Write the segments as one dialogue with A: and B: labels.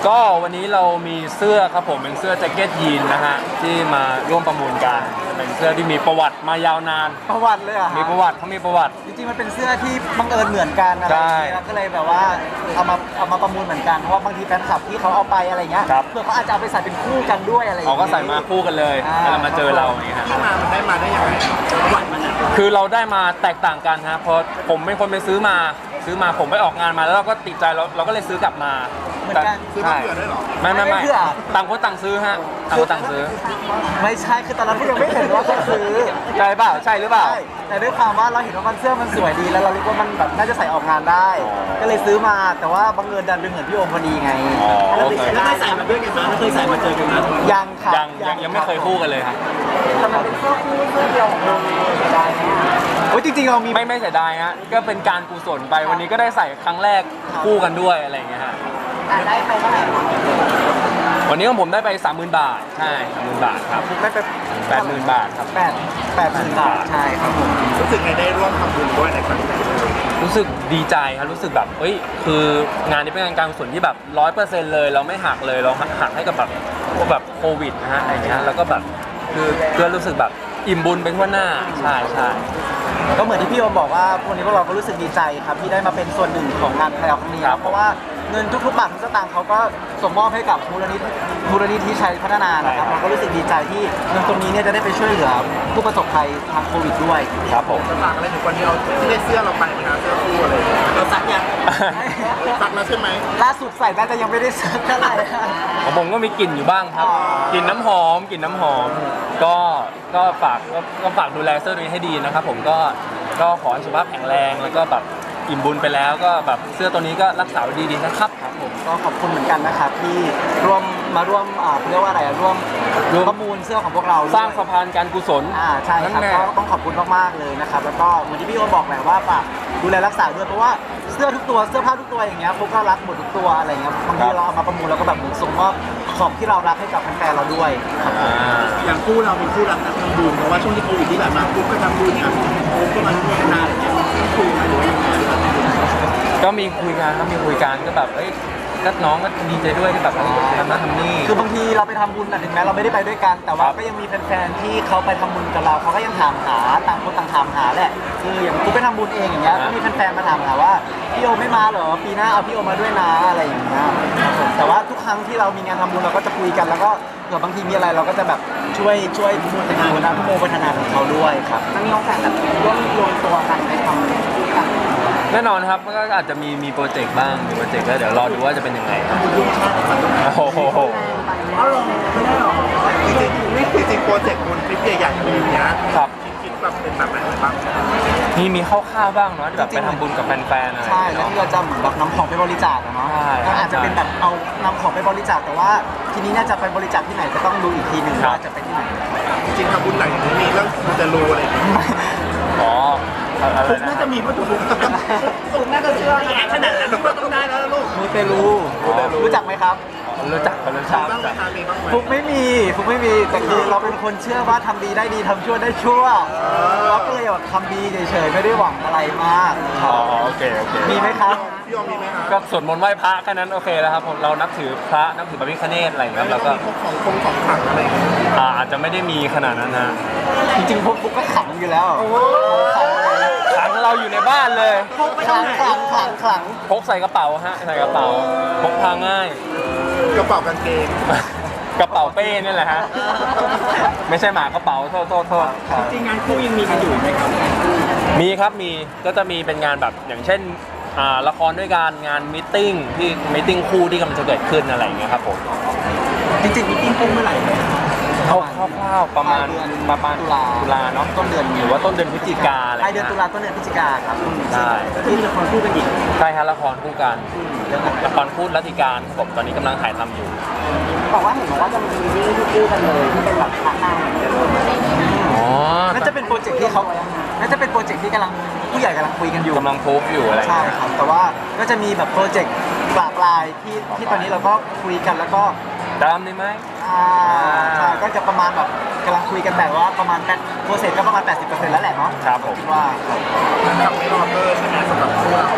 A: ก็วันนี้เรามีเสื้อครับผมเป็นเสื้อแจ็คเก็ตยีนนะฮะที่มาร่วมประมูลกันเป็นเสื้อที่มีประวัติมายาวนาน
B: ประวัติเลยอ่ะ
A: มีประวัติเขามีประวัติ
B: จริงๆมันเป็นเสื้อที่บังเอิญเหมือนกันอะไรอย่างเงี้ยก็เลยแบบว่าเอามาประมูลเหมือนกันเพราะว่าบางทีแฟนคลับที่เขาเอาไปอะไรเงี้ยเพื่อเขาอาจจะเอาไปใส่เป็นคู่กันด้วยอะไรอย่าง
A: เขา
B: เงี้ย
A: ก็ใส่มาคู่กันเลยแล้วมาเจอเราอย่างเงี้ยฮะ
C: ที่มันได้ยังไงประวัติมันอ่ะ
A: คือเราได้มาแตกต่างกันฮะเพราะผมเป็นคนไปซื้อมาผมไปออกงานมาแล้วเราก็ติดใจเราก็เลยซื้อกลับมา
B: เหมือนกัน
C: ซื้อมาเผื่อด้วยเหรอ
A: ไม่
B: ไม่เผื่อ
A: ต่างคนต่างซื้อฮะต่างคนต่างซื้อ
B: ไม่ใช่คือตอนนั้นพี่ยังไม่เห็นว่าเขาซื้อ
A: ใช่เปล่าใช่หรือเปล่า
B: ใช่แต่ด้วยความว่าเราเห็นว่ามันเสื้อมันสวยดีแล้วเรารู้ว่ามันแบบน่าจะใส่ออกงานได้ ก็เลยซื้อมาแต่ว่าบังเอิญดันเป็นเหมือนพี่โอมพอดีไง
A: แล้ว
C: เคยใส่มาด้วยกันมาแล้วเคยใส่มาเจอกันมา
B: ยังครับ
A: ยังไม่เคยคู่กันเลยครับ
B: แต่มันเป็นเสื้อคู่เสื้อเดียวของเราได้ไหมโอ้ยจริงๆเรามี
A: ไม่เสียดายฮะก็เป็นการกุศลไปวันนี้ก็ได้ใส่ครั้งแรกคู่กันด้วยอะไรอย่างเงี้ยฮะ
B: ได้ไปเท่าไหร่
A: วันนี้ของผมได้ไป 30,000 บาทใช่ 30,000 บาทครับ
B: ได้ไป
A: 80,000 บาทครับ
B: 80,000 บาทใช่ครับผม
C: รู้สึกไงได้ร่วมทำบุญด้วยในครั้งนี้
A: รู้สึกดีใจครับรู้สึกแบบเฮ้ยคืองานนี้เป็นงานการกุศลที่แบบ 100% เลยเราไม่หักเลยเราหักให้กับแบบพวกแบบโควิดนะฮะอะไรเงี้ยแล้วก็แบบคือรู้สึกแบบอิ่มบุญไปทั่วหน้าใช่ใช่
B: ก็เหมือนที่พี่โอมบอกว่าวันนี้พวกเราก็รู้สึกดีใจครับที่ได้มาเป็นส่วนหนึ่งของงานแพลวครั้งนี้ครับเพราะว่าเงินทุกๆบาททุกสตางค์เขาก็ส่งมอบให้กับมูลนิธิชัยพัฒนานะครับเราก็รู้สึกดีใจที่เงินตรงนี้เนี่ยจะได้ไปช่วยเหลือผู้ประสบภัยทางโควิดด้วย
A: ครับผม
C: จะฝากอะไรถึงคนที่เราที่ได้เสื้อเราไปไหมครับเสื้อคู่อะไรเราซักยังซักแล้วใช่ไหม
B: ล่าสุดใส่น่าจะยังไม่ได้ซักเท่าไหร่
A: ของผมก็มีกลิ่นอยู่บ้างครับกลิ่นน้ำหอมก็ฝากดูแลเสื้อตัวนี้ให้ดีนะครับผมก็ขอให้สุขภาพแข็งแรงแล้วก็แบบอิ่มบุญไปแล้วก็แบบเสื้อตัวนี้ก็รักษาไว้ดีๆนะครับผม
B: ก็ขอบคุณเหมือนกันนะครับที่มาร่วมเรียกว่าอะไรร่วมประมูลเสื้อของพวกเรา
A: สร้างสะพานการกุศล
B: ใช่ครับก็ต้องขอบคุณมากๆเลยนะครับแล้วก็เหมือนที่พี่โอบอกแหละว่าฝากดูแลรักษาด้วยเพราะว่าเสื้อทุกตัวเสื้อผ้าทุกตัวอย่างเงี้ยพวกก็รักหมดทุกตัวอะไรเงี้ยบางทีเราเอามาประมูลแล้วก็แบบเหมือนส่งมอบของที่เรารักให้กับแฟนๆเราด้วยครับ
C: อย่างคู่เราเป็นคู่รักนักทำบุญเพราะว่าช่วงที่โควิดที่ผ่านมาคู่ก็ทำบุญเนี่ยคู่ก็มาร่วมงานอะไรเงี้ยคุยกันหรือว่ายังไง
A: ก็มีคุยกันก็แบบเอ้ยก็น้องก็ดีใจด้วยที่แบบทำนั่นทำนี่
B: คือบางทีเราไปทำบุญถึงแม้เราไม่ได้ไปด้วยกัน แต่ว่าก็ยังมีแฟนๆที่เขาไปทำบุญกับเราเขาก็ยังถามหาต่างคนต่างถามหาแหละคืออย่างกูไปทำบุญเองอย่างเงี้ยก็มีแฟนๆมาถามหาว่าพี่โอไม่มาเหรอปีหน้าเอาพี่โอมาด้วยนะอะไรอย่างเงี้ยครับผมแต่ว่าทุกครั้งที่เรามีงานทำบุญเราก็จะคุยกันแล้วก็เผื่อบางทีมีอะไรเราก็จะแบบช่วยโมพัฒนาของเขาด้วยครับมันมีโอกาสแบบร่วมรวมตัวกันไปทำด้วยกัน
A: แน่นอนครับก็อาจจะมีโปรเจกต์บ้างมีโปรเจกต์ก็เดี๋ยวรอดูว่าจะเป็นยังไงครับโอ้โห
C: อ๋อเหรอไม่ได้หรอจริงโปรเจกต์คุณคลิปใหญ่ๆมีเนี้ย
A: ครับ
C: คิดแบบเป็นแบบไหนบ้าง
A: มีคร่าวๆบ้างเนาะที่แบบไปทำบุญกับแฟนๆอะไร
B: ใช่แล้วที่เราจะเหมือนแบบนำของไปบริจาคอะเนาะ
A: ใช่
B: ก็อาจจะเป็นแบบเอานำของไปบริจาคแต่ว่าทีนี้น่าจะไปบริจาคที่ไหนก็ต้องดูอีกทีหนึ่งว่าจะไปที่ไหน
C: จริงๆทำบุญหลังจากนี้มีเรื่องมันจะรู้อะไรอย่างเงี้ย
A: อ๋ออะไร
C: ฟุก
A: นะ
C: น่าจะมีวัตถุฟุกฟุกน่าจะเชื่อขนาดนั้นก็ต้องได้แล้วลูก
B: มูเตลูรู้จักไหมครับ
A: รู้จัก
C: บ้างไหมคะมีบ้างไหม
B: ฟุกไม่มีแต่คือเราเป็นคนเชื่อว่าทำดีได้ดีทำชั่วได้ชั่วเราก็เลยแบบทำดีเฉยๆไม่ได้หวังอะไรมาก
A: อ๋อโอเค
B: มีไหมครับ
C: พี่ยอมมีไหมคะ
A: ก็สวดมนต์ไหว้พระแค่นั้นโอเคแล้วครับเรานับถือพระนับถือพระพิฆเนศอะไรอย่างเงี้ยแล้วก็
C: มีพวกของขังอะไรอย่างเงี้ย
A: อาจจะไม่ได้มีขนาดนั้นนะ
B: จริงๆฟุกก็ขังอยู่แล้ว
A: ขังเราอยู่ในบ้านเลย
B: ขัง
A: พกใส่กระเป๋าฮะใส่กระเป๋าพกพาง่าย
C: กระเป๋ากางเกง
A: กระเป๋าเป้นี่แหละฮะไม่ใช่หมากระเป๋าโทษ
C: จริงงานคู่ยังมีกันอยู่ไหมครับ
A: มีครับก็จะมีเป็นงานแบบอย่างเช่นละครด้วยกันงานมีตติ้งคู่ที่กำลังจะเกิดขึ้นอะไรอย่างเงี้ยครับผม
B: จริงๆมีติ้งปุ้งเมื่อไหร่
A: คร่าวๆประมาณตุลาเนาะ
B: ต้นเดือน
A: หรือว่าต้นเดือนพฤศจิกาอะไร
B: ปลายเดือนตุลาต้นเดือนพฤศจิกาครับ
A: ใช่
B: ที่มีละครคู่กันอีก
A: ใช่ฮะละครคู่กันละครคู่รัตติการครับผมตอนนี้กำลังถ่ายทำอยู่
B: บอกว่าเห็นบอกว่าจะมีซีรีส์คู่กันเลยที่เป็นแบบพาร์ทนาง
A: อ๋อ
B: น่าจะเป็นโปรเจกต์ที่เขาน่าจะเป็นโปรเจกต์ที่ผู้ใหญ่กำลังคุยกันอยู่
A: กำลังทุบอยู่อะไร
B: ใช่ครับแต่ว่าก็จะมีแบบโปรเจกต์ปลายที่ตอนนี้เราก็คุยกันแล้วก็
A: ตามได้ไหม
B: ใช่ก็จะประมาณแบบกำลังคุยกันแต่ว่าประมาณโปรเซสก็ประมาณ 80%แล้วแหละเนาะ
A: ครับผม
B: คิดว่า
C: กับไม่รอเบอร์ใช่ไหมสำหรับคู่เรา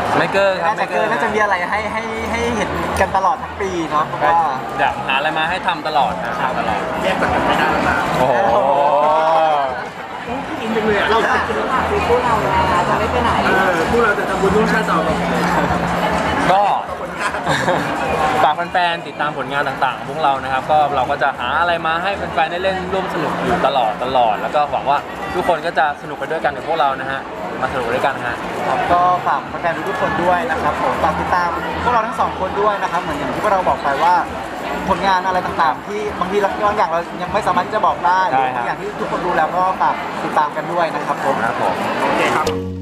A: ไม่เกินครับ
B: น่าจะเกินน่าจะมีอะไรให้เห็นกันตลอดทั้งปีเนาะเพราะ
A: ก็
B: ว่า
A: อยากหาอะไรมาให้ทำตลอดนะทำตลอด
C: แยกจากกันไม่ได้แล้วนะ
A: โอ้โห
C: อินจังเลยอะเราจะ
D: คือพวกเรานะคะจะไม่ไปไหน
C: พวกเราจะทำบุญร่วมชาติต่อไป
A: ก็
C: ผลงาน
A: ฝากแฟนๆติดตามผลงานต่างๆของพวกเรานะครับก็เราก็จะหาอะไรมาให้แฟนๆได้เล่นร่วมสนุกอยู่ตลอดแล้วก็หวังว่าทุกคนก็จะสนุกไปด้วยกันกับพวกเรานะฮะมาสนุกด้วยกันฮะ
B: ครับก็ฝากแฟนๆทุกคนด้วยนะครับผมฝากติดตามพวกเราทั้งสองคนด้วยนะครับเหมือนอย่างที่พวกเราบอกไปว่าผลงานอะไรต่างๆ ที่บางทีบางอย่างเรายังไม่สามารถที่จะบอกได้หรือบางอย่างที่ทุกคนรู้แล้วก็ฝากติดตามกันด้วยนะครับผม
A: ครับผม
C: โอเคครับ